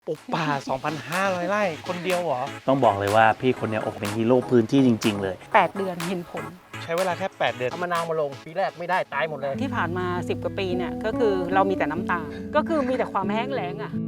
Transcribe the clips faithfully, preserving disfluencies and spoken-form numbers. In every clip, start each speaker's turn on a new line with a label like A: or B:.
A: ปลูกป่า สองพันห้าร้อย ไร่คนเดียวเหรอ
B: ต้องบอกเลยว่าพี่คนเนี้ยโอ้เป็นฮีโร่พื้นที่จริงๆเลย
C: แปดเดือนเห็นผล
A: ใช้เวลาแค่แปดเดือน
D: เอามะนาวมาลงปีแรกไม่ได้ตายหมดเลย
C: ที่ผ่านมาสิบกว่าปีเนี่ยก็คือเรามีแต่น้ำตา ก็คือมีแต่ความแห้งแล้งอ่ะ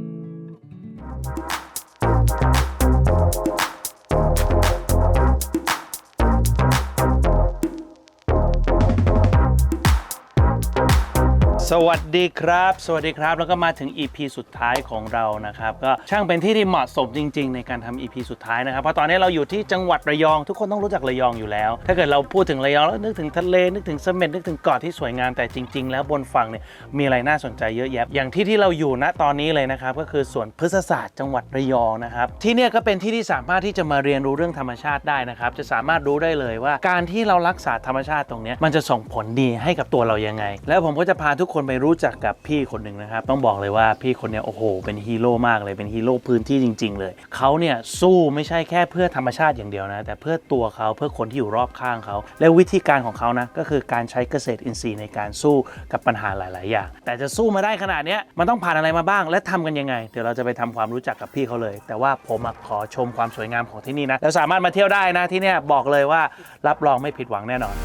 B: สวัสดีครับสวัสดีครับแล้วก็มาถึง อี พี สุดท้ายของเรานะครับก็ช่างเป็นที่ที่เหมาะสมจริงๆในการทำ อี พี สุดท้ายนะครับเพราะตอนนี้เราอยู่ที่จังหวัดระยองทุกคนต้องรู้จักระยองอยู่แล้วถ้าเกิดเราพูดถึงระยองแล้วนึกถึงทะเลนึกถึงเสม็ดนึกถึงเกาะที่สวยงามแต่จริงๆแล้วบนฝั่งเนี่ยมีอะไรน่าสนใจเยอะแยะอย่างที่ที่เราอยู่ณตอนนี้เลยนะครับก็คือสวนพฤกษศาสตร์จังหวัดระยองนะครับที่เนี่ยก็เป็นที่ที่สามารถที่จะมาเรียนรู้เรื่องธรรมชาติได้นะครับจะสามารถรู้ได้เลยว่าการที่เรารักษาธรรมชาติตรงนี้มันจะส่งผลดีให้กับตัวเรายังไงแล้วผมก็จะพาทุกคนไปรู้จักกับพี่คนหนึ่งนะครับต้องบอกเลยว่าพี่คนนี้โอ้โหเป็นฮีโร่มากเลยเป็นฮีโร่พื้นที่จริงๆเลยเขาเนี่ยสู้ไม่ใช่แค่เพื่อธรรมชาติอย่างเดียวนะแต่เพื่อตัวเขาเพื่อคนที่อยู่รอบข้างเขาและวิธีการของเขานะก็คือการใช้เกษตรอินทรีย์ในการสู้กับปัญหาหลายๆอย่างแต่จะสู้มาได้ขนาดนี้มันต้องผ่านอะไรมาบ้างและทำกันยังไงเดี๋ยวเราจะไปทำความรู้จักกับพี่เขาเลยแต่ว่าผมขอชมความสวยงามของที่นี่นะแล้วสามารถมาเที่ยวได้นะที่เนี่ยบอกเลยว่ารับรองไม่ผิดหวังแน่นอน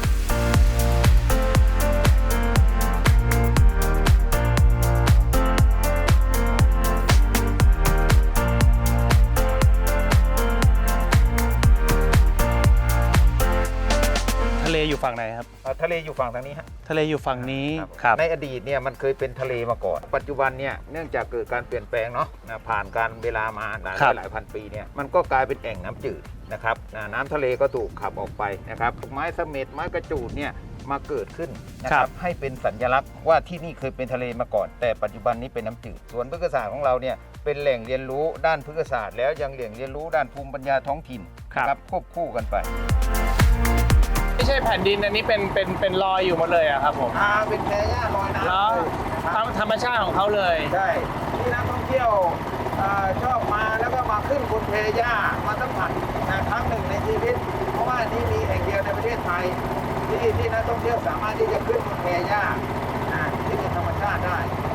B: ทะเลอยู่ฝั่งไหนครับ
D: ทะเลอยู่ฝั่งทางนี้ฮะ
B: ทะเลอยู่ฝั่งนี้
D: ครับในอดีตเนี่ยมันเคยเป็นทะเลมาก่อนปัจจุบันเนี่ยเนื่องจากเกิดการเปลี่ยนแปลงเนาะผ่านการเวลามาหลายหลายพันปีเนี่ยมันก็กลายเป็นแอ่งน้ำจืดนะครับน้ำทะเลก็ถูกขับออกไปนะครับไม้เสม็ดไม้กระจูดเนี่ยมาเกิดขึ้นนะครับให้เป็นสัญลักษณ์ว่าที่นี่เคยเป็นทะเลมาก่อนแต่ปัจจุบันนี้เป็นน้ำจืดส่วนพฤกษศาสตร์ของเราเนี่ยเป็นแหล่งเรียนรู้ด้านพฤกษศาสตร์แล้วยังแหล่งเรียนรู้ด้านภูมิปัญญาท้องถิ่นครับควบคู่กันไป
B: ไม่ใช่แผ่นดินอันนี้เป็นเป็นเป็นรอยอยู่หมดเลยอะครับผม
D: อ่าเป็นแพหญ้าลอยน้ำ
B: แล้วธรรมชาติของเขาเลย
D: ใช่ที่นักท่องเที่ยวชอบมาแล้วก็มาขึ้นบนแพหญ้ามาสัมผัสนะครั้งหนึ่งในชีวิตเพราะว่านี่มีแห่งเดียวในประเทศไทยที่ที่นักท่องเที่ยวสามารถที่จะขึ้นบนแพหญ้าที่เป็นธรรมชาติได้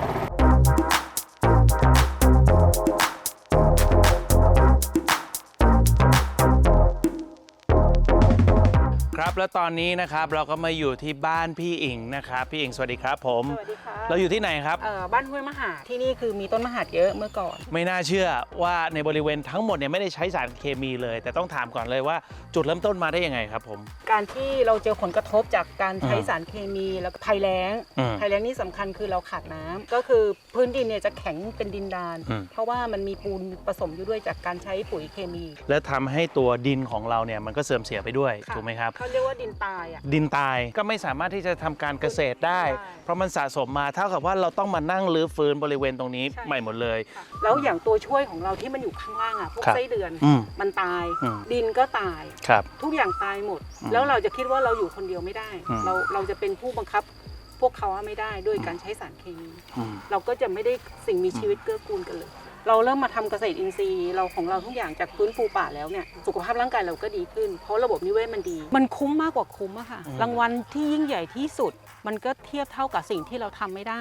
B: ครับแล้วตอนนี้นะครับเราก็มาอยู่ที่บ้านพี่อิงนะครับพี่อิงสวัสดีครับผม
C: สวัสดีค่ะ
B: เราอยู่ที่ไหนครับ
C: เอ่อบ้านห้วยมหาดที่นี่คือมีต้นมหาดเยอะเมื่อก่อน
B: ไม่น่าเชื่อว่าในบริเวณทั้งหมดเนี่ยไม่ได้ใช้สารเคมีเลยแต่ต้องถามก่อนเลยว่าจุดเริ่มต้นมาได้ยังไงครับผม
C: การที่เราเจอผลกระทบจากการใช้สารเคมีแล้วก็ภัยแล้งภัยแล้งนี่สำคัญคือเราขาดน้ำก็คือพื้นดินเนี่ยจะแข็งเป็นดินดานเพราะว่ามันมีปูนผสมอยู่ด้วยจากการใช้ปุ๋ยเคมี
B: และทำให้ตัวดินของเราเนี่ยมันก็เสื่อมเสียไปด้วยถูกไหมครับ
C: เขาเรียกว่าดินตายอ่ะ
B: ดินตายก็ไม่สามารถที่จะทำการเกษตรได้เพราะมันสะสมมาเท่ากับว่าเราต้องมานั่งรื้อฟื้นบริเวณตรงนี้ใหม่หมดเลย
C: แล้วอย่างตัวช่วยของเราที่มันอยู่ข้างล่างอ่ะพวกไส้เดือนมันตายดินก็ตายทุกอย่างตายหมดแล้วเราจะคิดว่าเราอยู่คนเดียวไม่ได้เราเราจะเป็นผู้บังคับพวกเขาไม่ได้ด้วยการใช้สารเคมีเราก็จะไม่ได้สิ่งมีชีวิตเกื้อกูลกันเลยเราเริ่มมาทำเกษตรอินทรีย์เราของเราทุกอย่างจากฟื้นฟูป่าแล้วเนี่ยสุขภาพร่างกายเราก็ดีขึ้นเพราะระบบนิเวศมันดีมันคุ้มมากกว่าคุ้มอะค่ะรางวัลที่ยิ่งใหญ่ที่สุดมันก็เทียบเท่ากับสิ่งที่เราทำไม่ได้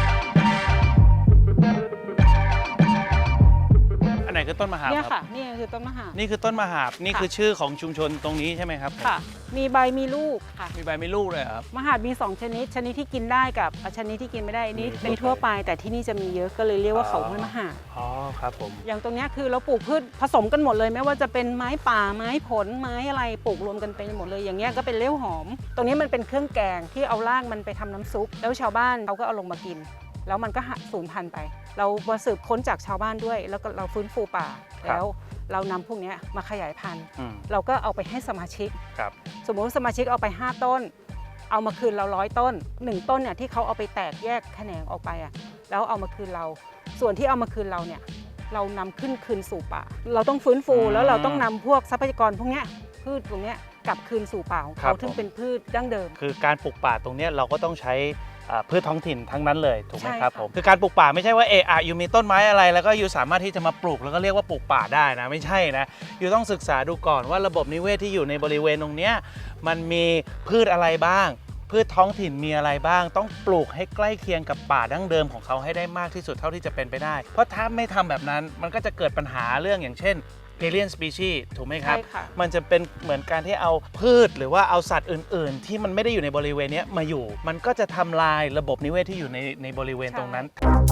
B: ไหนคือต้นมหาบ
C: เนี่ยค่ะนี่คือต้นมหาบ
B: นี่คือต้นมหาบนี่คือชื่อของชุมชนตรงนี้ใช่ไหมครับ
C: ค่ะมีใบมีลูกค่ะ
B: มีใบมีลูกเลยครับ
C: มหาบมีสองชนิดชนิดที่กินได้กับชนิดที่กินไม่ได้นี่ในทั่วไปแต่ที่นี่จะมีเยอะก็เลยเรียกว่าเขาห้วยมหาบ
B: อ๋อครับผม
C: อย่างตรงนี้คือเราปลูกพืชผสมกันหมดเลยไม่ว่าจะเป็นไม้ป่าไม้ผลไม้อะไรปลูกรวมกันไปหมดเลยอย่างเงี้ยก็เป็นเลี้ยวหอมตรงนี้มันเป็นเครื่องแกงที่เอารากมันไปทำน้ำซุปแล้วชาวบ้านเขาก็เอาลงมากินแล้วมันก็สูญพันธุ์ไปเรามาสืบค้นจากชาวบ้านด้วยแล้วก็เราฟื้นฟูป่าแล้วเรานำพวกนี้มาขยายพันธุ์เราก็เอาไปให้สมาชิกสมมติสมาชิกเอาไปห้าต้นเอามาคืนเราร้อยต้นหนึ่งต้นเนี่ยที่เขาเอาไปแตกแยกแขนงออกไปอ่ะแล้วเอามาคืนเราส่วนที่เอามาคืนเราเนี่ยเรานำขึ้นคืนสู่ป่าเราต้องฟื้นฟูแล้วเราต้องนำพวกทรัพยากรพวกนี้พืชพวกนี้กลับคืนสู่ป่าของเขาซึ่งเป็นพืชดั้งเดิม
B: คือการปลูกป่าตรงนี้เราก็ต้องใช้พืชท้องถิ่นทั้งนั้นเลยถูกไหมครับผมคือการปลูกป่าไม่ใช่ว่าเอออยู่มีต้นไม้อะไรแล้วก็อยู่สามารถที่จะมาปลูกแล้วก็เรียกว่าปลูกป่าได้นะไม่ใช่นะอยู่ต้องศึกษาดูก่อนว่าระบบนิเวศที่อยู่ในบริเวณตรงนี้มันมีพืชอะไรบ้างพืชท้องถิ่นมีอะไรบ้างต้องปลูกให้ใกล้เคียงกับป่าดั้งเดิมของเขาให้ได้มากที่สุดเท่าที่จะเป็นไปได้เพราะถ้าไม่ทำแบบนั้นมันก็จะเกิดปัญหาเรื่องอย่างเช่น alien species ถูกไหมครับ
C: ใช่ค่ะ
B: มันจะเป็นเหมือนการที่เอาพืชหรือว่าเอาสัตว์อื่น ๆ ที่มันไม่ได้อยู่ในบริเวณนี้มาอยู่ มันก็จะทำลายระบบนิเวศที่อยู่ในในบริเวณตรงนั้น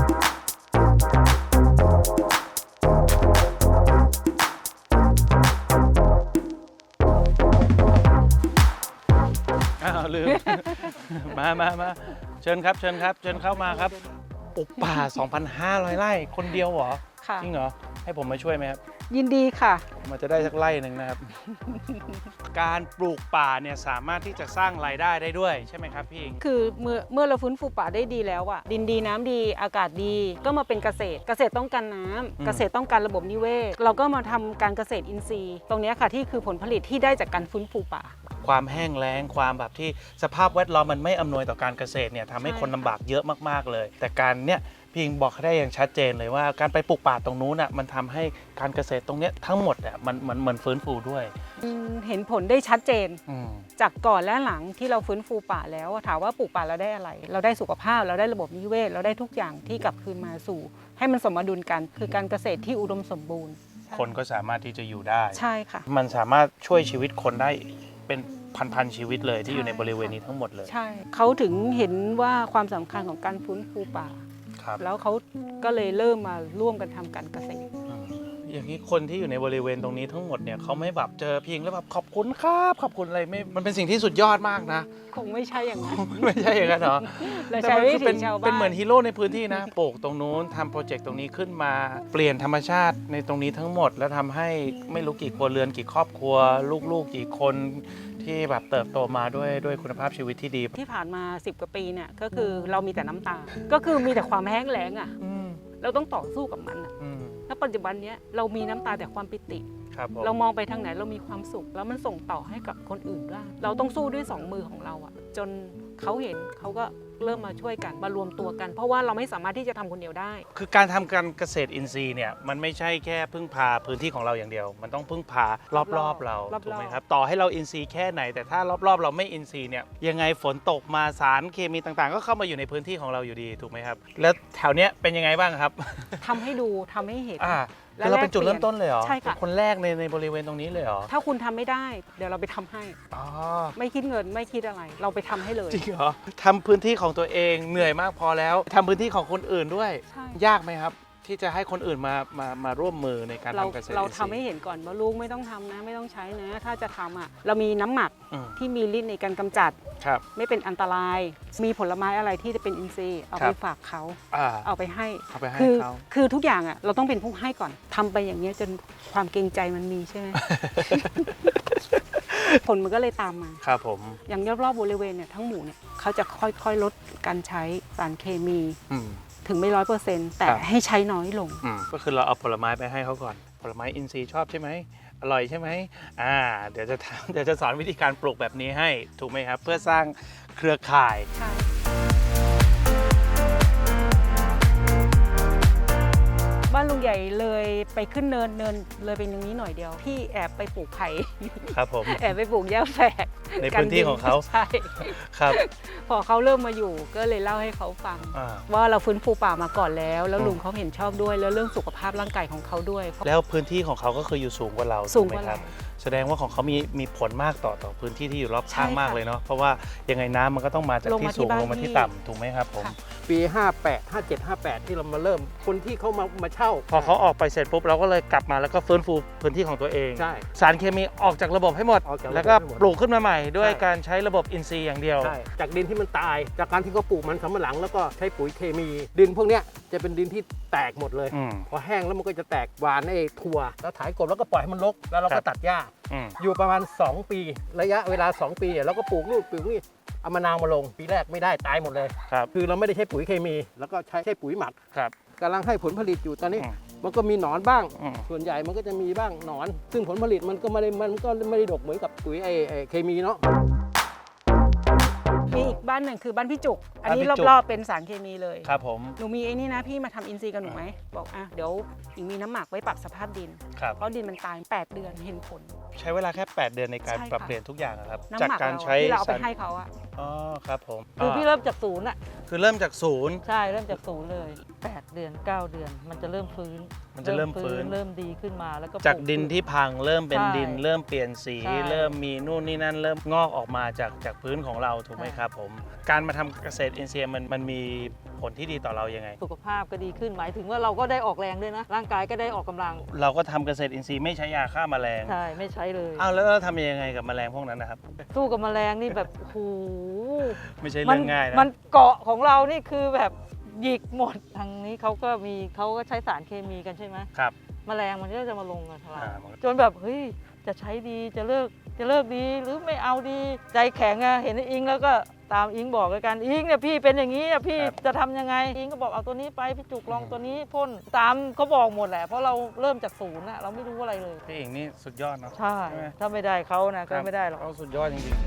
B: อ้าวลืม มามามาเชิญครับเชิญครับเชิญเข้ามาครับปลูกป่า สองพันห้าร้อย ไร่คนเดียวเหรอ
C: ค่ะ
B: จริงเหรอให้ผมมาช่วยไหมครับ
C: ยินดีค่ะ
B: มันจะได้สักไร่หนึ่งนะครับ การปลูกป่าเนี่ยสามารถที่จะสร้างรายได้ได้ด้วยใช่ไหมครับพี่อิง
C: คือเมื่อเมื่อเราฟื้นฟูป่าได้ดีแล้วอะดินดีน้ำดีอากาศดีก็มาเป็นเกษตร เกษตรต้องการน้ำ
B: อืม
C: เกษตรต้องการระบบนิเวศ เราก็มาทำการเกษตรอินทรีย์ ตรงเนี้ยค่ะที่คือผลผลิตที่ได้จากการฟื้นฟูป่า
B: ความแห้งแล้งความแบบที่สภาพแวดล้อมมันไม่อำนวยต่อการเกษตรเนี่ยทำให้
C: ใช่
B: คน
C: ค่ะ
B: ลำบากเยอะมากๆเลย แต่การเนี่ยพี่อิงบอกได้อย่างชัดเจนเลยว่าการไปปลูกป่าตรงนู้นน่ะมันทำให้การเกษตรตรงเนี้ยทั้งหมดอ่ะมันมันเหมือนฟื้นฟูด้วย
C: อืมเห็นผลได้ชัดเจน
B: อืม
C: จากก่อนและหลังที่เราฟื้นฟูป่าแล้วอะถามว่าปลูกป่าเราได้อะไร เราได้สุขภาพเราได้ระบบนิเวศ เราได้ทุกอย่างที่กลับคืนมาสู่ ให้มันสมดุลกัน คือการเกษตรที่อุดมสมบูรณ์
B: คนก็สามารถที่จะอยู่ได้
C: ใช่ค่ะ
B: มันสามารถช่วยชีวิตคนได้เป็นพันๆชีวิตเลยที่อยู่ในบริเวณนี้ทั้งหมดเลย
C: ใช่เขาถึงเห็นว่าความสำคัญของการฟื้นฟูป่า
B: ครับ
C: แล้วเขาก็เลยเริ่มมาร่วมกันทำการเกษตร
B: อืมอย่างนี้คนที่อยู่ในบริเวณตรงนี้ทั้งหมดเนี่ยเขาไม่แบบเจอพิงแล้วแบบขอบคุณครับขอบคุณอะไรไม่มันเป็นสิ่งที่สุดยอดมากนะ
C: คงไม่ใช่อย่างนั้น
B: ไม่ใช่อย่างนั้นเหรอ
C: เรา
B: แต่
C: ใช้
B: มัน
C: วิ
B: คือ
C: ถี
B: เป็น
C: ชาวบ้าน
B: เป็นเหมือนฮีโร่ในพื้นที่นะปลูกตรงนู้นทำโปรเจกต์ตรงนี้ขึ้นมา เปลี่ยนธรรมชาติในตรงนี้ทั้งหมด แล้วทำให้ไม่รู้กี่ครัวเรือนกี่ครอบครัว ลูกๆกี่คนที่แบบเติบโตมาด้วยด้วยคุณภาพชีวิตที่ดี
C: ที่ผ่านมาสิบกว่าปีเนี่ยก็คือเรามีแต่น้ำตา ก็คือมีแต่ความแห้งแล้งอ่ะ
B: อืม
C: เราต้องต่อสู้กับมันอะ
B: อืม
C: แล้วปัจจุบันเนี้ยเรามีน้ำตาแต่ความปิติ
B: ครับผม
C: เรามองไปทางไหนเรามีความสุข แล้วมันส่งต่อให้กับคนอื่นได้เราต้องสู้ด้วยสองมือของเราอะจนเขาเห็นเขาก็เริ่มมาช่วยกันมารวมตัวกัน เพราะว่าเราไม่สามารถที่จะทำคนเดียวได้
B: คือการทำการเกษตรอินทรีย์เนี่ยมันไม่ใช่แค่พึ่งพาพื้นที่ของเราอย่างเดียว มันต้องพึ่งพารอบๆเรา
C: รอบๆ
B: ถูกไหมครับต่อให้เราอินทรีย์แค่ไหน แต่ถ้ารอบๆ เราไม่อินทรีย์เนี่ยยังไงฝนตกมาสารเคมีต่างๆ ก็เข้ามาอยู่ในพื้นที่ของเราอยู่ดีถูกไหมครับแล้วแถวเนี้ยเป็นยังไงบ้างครับ
C: ทำให้ดูทำให้เห็น
B: อ่า
C: และ
B: คือเราเป็นจุด
C: แลกเปลี่ยน
B: เริ่มต้นเลยเหรอ
C: ใช่ค่ะ
B: เป็นคนแรกในในบริเวณตรงนี้เลยเหรอ
C: ถ้าคุณทำไม่ได้ เดี๋ยวเราไปทำให้
B: อ๋อ
C: ไม่คิดเงินไม่คิดอะไร เราไปทำให้เลย
B: จริงเหรอทำพื้นที่ของตัวเองเหนื่อยมากพอแล้วทำพื้นที่ของคนอื่นด้วย
C: ใช่
B: ยากไหมครับ ที่จะให้คนอื่นมามามาร่วมมือในการ
C: เรา
B: ทำเกษตร
C: เรา
B: อินท
C: ทำ
B: รี
C: ให้
B: ย์
C: เห็นก่อนว่าลูกไม่ต้องทำนะ ไม่ต้องใช้นะ ถ้าจะทำอ่ะเรามีน้ำหมัก
B: อืม
C: ที่มีฤทธิ์ในการกำจัด
B: ครับ
C: ไม่เป็นอันตราย มีผลไม้อะไรที่จะเป็นอินทรีย์เอา
B: ครั
C: ไป
B: บ
C: ฝากเขา
B: อ่า
C: เอาไปให้
B: เอาไปให้
C: คือ
B: เขา
C: คือทุกอย่างอ่ะเราต้องเป็นผู้ให้ก่อนทำไปอย่างเงี้ยจนความเกรงใจมันมีใช่ไหม ผลมันก็เลยตามมา
B: ครับผม
C: อย่างรอบๆบริเวณเนี่ยทั้งหมู่เนี่ยเขาจะค่อยๆลดการใช้สารเคมี
B: อืม
C: ถึงไม่ร้อยเปอร์เซ็นต์แต่
B: ครับ
C: ให้ใช้น้อยลง
B: อืมก็คือเราเอาผลไม้ไปให้เขาก่อน ผลไม้อินทรีย์ชอบใช่ไหมอร่อยใช่ไหมอ่า เดี๋ยวจะทำ เดี๋ยวจะสอนวิธีการปลูกแบบนี้ให้ถูกไหมครับ เพื่อสร้างเครือข่าย
C: ใช่ บ้านลุงใหญ่เลยไปขึ้นเนินเนินเลยไปตรงนี้หน่อยเดียวพี่แอบไปปลูกไผ่
B: ครับผม
C: แอบไปปลูกหญ้าแฝก
B: ในพื้นที่ของเขา
C: ใช่
B: ครับ
C: พอเขาเริ่มมาอยู่ก็เลยเล่าให้เขาฟัง
B: อ่า
C: ว่าเราฟื้นฟูป่ามาก่อนแล้ว แล้ว
B: อืม
C: ลุงเขาเห็นชอบด้วยแล้วเรื่องสุขภาพร่างกายของเขาด้วย
B: แล้วพื้นที่ของเขาก็คืออยู่สูงกว่าเรา
C: สูง
B: ถู
C: กว่า
B: ไหมค
C: เรา
B: รับ แสดงว่าของเขามีมีผลมากต่อต่อพื้นที่ที่อยู่รอบข้าง
C: ใช่ค่ะ
B: มากเลยเนาะ เพราะว่ายังไงน้ำมันก็ต้องมาจาก
C: ลง
B: ที่
C: มาที่
B: สูง
C: บ้าน
B: ลงมาที่
C: พี่
B: ต่ำถูกไหมครับผม
C: ค่ะ
E: ปีห้าแปด ห้าเจ็ด ห้าแปด ที่เรามาเริ่มคนที่เขามามาเช่า
B: พอเขาออกไปเสร็จปุ๊บเราก็เลยกลับมาแล้วก็ฟื้นฟูพื้นที่ของตัวเอง
E: ใช่
B: สารเคมีออกจากระบบให้หมด
E: ออกจากระบบ
B: แล้วก็
E: ให้หมด
B: ปลูกขึ้นมาใหม่ด้วย
E: ใช่
B: การใช้ระบบอินทรีย์อย่างเดียว
E: ใช่จากดินที่มันตาย จากการที่เขาปลูกมันสำปะหลังแล้วก็ใช้ปุ๋ยเคมี ดินพวกเนี้ยจะเป็นดินที่แตกหมดเลย
B: อืม
E: พอแห้งแล้วมันก็จะแตกหวานไอ้ถั่วแล้วถ่ายกบแล้วก็ปล่อยให้มันรกแล้วเรา
B: ครั
E: ก็
B: บ
E: ตัดหญ้า
B: อืม
E: อยู่ประมาณสองปี ระยะเวลาสองปีอะเราก็ปลูกนู่นปลูกนี่เอามะนาวมาลงปีแรกไม่ได้ตายหมดเลย
B: ครับ
E: คือเราไม่ได้ใช้ปุ๋ยเคมี แล้วก็ใช้ใช้ปุ๋ยหมัก
B: ครับ
E: กำลังให้ผลผลิตอยู่ตอนนี้
B: อืม
E: มันก็มีหนอนบ้าง
B: อืม
E: ส่วนใหญ่มันก็จะมีบ้างหนอน ซึ่งผลผลิตมันก็ไม่ได้มันก็ไม่ได้ดกเหมือนกับปุ๋ยไอ้ไอ้เคมีเนาะ
C: มีอีกบ้านหนึ่งคือบ้านพี่จุก อันนี้
B: บ้านพี่จุก
C: รอบๆเป็นสารเคมีเลย
B: ครับผม
C: หนูมีไอ้นี่นะพี่มาทำอินทรีย์กับหนูไหมบอกอ่ะเดี๋ยวหญิงมีน้ำหมักไว้ปรับสภาพดิน
B: ครับ
C: เพราะดินมันตายแปดเดือนเห็นผล
A: ใช้เวลาแค่ แปด เดือนในการ
C: ใช่ค่ะ
A: ปรับเปลี่ยนทุกอย่างอะครับ
C: น้ำ
A: จาก
C: หมัก
A: การ
C: เรา
A: ใช้
C: ที่เราเอาไป
A: สาร
C: ให้เขาอะ
A: อ๋อครับผม
F: คือพี่เริ่มจากศูนย์อ่ะ
B: คือเริ่มจากศูนย์
F: ใช่เริ่มจากศูนย์เลยแปดเดือนเก้าเดือน มันจะเริ่มฟื้น
B: มันจะเริ่มฟื้น
F: เริ่มดีขึ้นมาแล้วก็
B: จาก
F: ปลู
B: ดินที่พังเริ่มเป็น
F: ใช่
B: ดิน เริ่มเปลี่ยนสี
F: ใช่
B: เริ่มมีนู่นนี่นั่นเริ่มงอกออกมาจากจากพื้นของเราถูกไหม
F: ใช่
B: ครับผมการมาทำเกษตรอินทรีย์มันมันมีผลที่ดีต่อเรายังไง
F: สุขภาพก็ดีขึ้นหมายถึงว่าเราก็ได้ออกแรงด้วยนะ ร่างกายก็ได้ออกกำลัง
B: เราก็ทำเกษตรอินทรีย์ไม่ใช้ยาฆ่าแมลง
F: ใช่ไม่ใช้เลย
B: อ้าวแล้วเราทำยังไงกับแมลงพวกนั้นนะครับ
F: สู้กับแมลงนี่แบบโอ้โห
B: ไม่ใช่เรื่องง่ายนะ
F: มันเกาะของเรานี่คือแบบหยิกหมดทางนี้เขาก็มีเขาก็ใช้สารเคมีกันใช่ไหม
B: ครับ
F: แมลงมันก็จะมาลงกับเรา
B: อ่ามัน
F: จนแบบเฮ้ยจะใช้ดีจะเลิกจะเลิกดีหรือไม่เอาดีใจแข็งอะเห็นอิงแล้วก็ตามอิงบอกกันอิงเนี่ยพี่เป็นอย่างนี้อะพี่จะทำยังไงอิงก็บอกเอาตัวนี้ไปพี่จุกลองตัวนี้พ่นตามเขาบอกหมดแหละเพราะเราเริ่มจากศูนย์อะเราไม่รู้อะไรเลย
B: พี่เองนี่สุดยอดเนาะ
F: ใช่
B: ใช่ไหม
F: ถ้าไม่ได้เขานะก็ไม่ได้หรอก
B: เขาสุดยอดจริง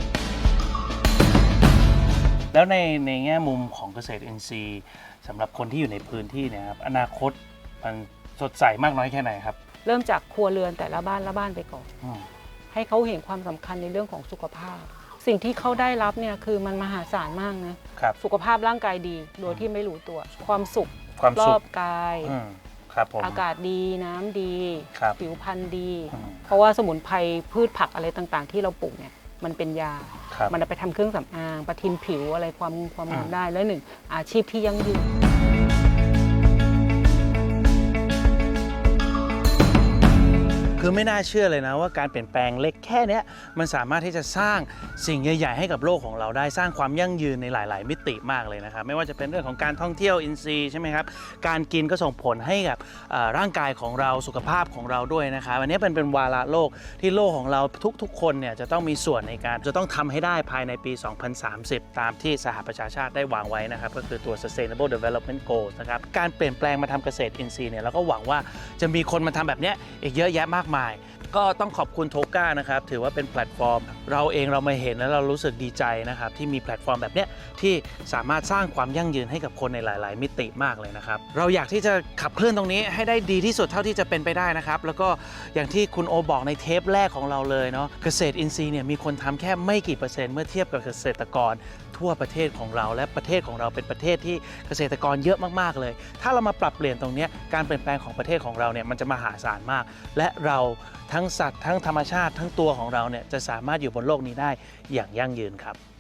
B: ๆแล้วในในแง่มุมของเกษตรอินทรีย์สำหรับคนที่อยู่ในพื้นที่เนี่ยครับอนาคตมันสดใสมากน้อยแค่ไหนครับ
C: เริ่มจากครัวเรือนแต่ละบ้านละบ้านไปก่อน
B: อืม
C: ให้เขาเห็นความสำคัญในเรื่องของสุขภาพ สิ่งที่เขาได้รับเนี่ยคือมันมหาศาลมากนะครับ สุขภาพร่างกายดีโดยที่ไม่รู้ตัว ความสุข
B: ความ
C: ร
B: สุ
C: อ
B: ข
C: บกาย
B: อืมครับผม
C: อากาศดีน้ำดี
B: ครับ
C: ผิวพรรณดี
B: อืม
C: เพราะว่าสมุนไพรพืชผักอะไรต่างๆ ที่เราปลูกเนี่ยมันเป็นยา
B: ครับ
C: มันเอาไปทำเครื่องสำอางประทินผิวอะไรความความงาม
B: อืม
C: ได้และหนึ่งอาชีพที่ยั่งยืน
B: คือไม่น่าเชื่อเลยนะว่าการเปลี่ยนแปลงเล็กแค่เนี้ยมันสามารถที่จะสร้างสิ่งใหญ่ๆให้กับโลกของเราได้สร้างความยั่งยืนในหลาย ๆ มิติมากเลยนะครับไม่ว่าจะเป็นเรื่องของการท่องเที่ยวอินทรีย์ใช่ไหมครับการกินก็ส่งผลให้กับเอ่อร่างกายของเราสุขภาพของเราด้วยนะครับอันนี้เป็นเป็นวาระโลกที่โลกของเราทุกๆ คนเนี่ยจะต้องมีส่วนในการจะต้องทำให้ได้ภายในปี สองพันสามสิบ ตามที่สหประชาชาติได้วางไว้นะครับก็คือตัว Sustainable Development Goals นะครับการเปลี่ยนแปลงมาทำเกษตรอินทรีย์เนี่ยเราก็หวังว่าจะมีคนมาทำแบบเนี้ยอีกเยอะแยะมากมาย ก็ต้องขอบคุณโทก้านะครับถือว่าเป็นแพลตฟอร์ม เราเองเรามาเห็นแล้วเรารู้สึกดีใจนะครับที่มีแพลตฟอร์มแบบเนี้ยที่สามารถสร้างความยั่งยืนให้กับคนในหลาย ๆ มิติมากเลยนะครับเราอยากที่จะขับเคลื่อนตรงนี้ให้ได้ดีที่สุดเท่าที่จะเป็นไปได้นะครับแล้วก็อย่างที่คุณโอบอกในเทปแรกของเราเลยเนาะเกษตรอินทรีย์เนี่ยมีคนทำแค่ไม่กี่เปอร์เซ็นต์เมื่อเทียบกับเกษตรกรทั่วประเทศของเราและประเทศของเราเป็นประเทศที่เกษตรกรเยอะมากๆเลยถ้าเรามาปรับเปลี่ยนตรงนี้การเปลี่ยนแปลงของประเทศของเราเนี่ยมันจะมหาศาลมากและเราทั้งสัตว์ทั้งธรรมชาติทั้งตัวของเราเนี่ยจะสามารถอยู่บนโลกนี้ได้อย่างยั่งยืนครับ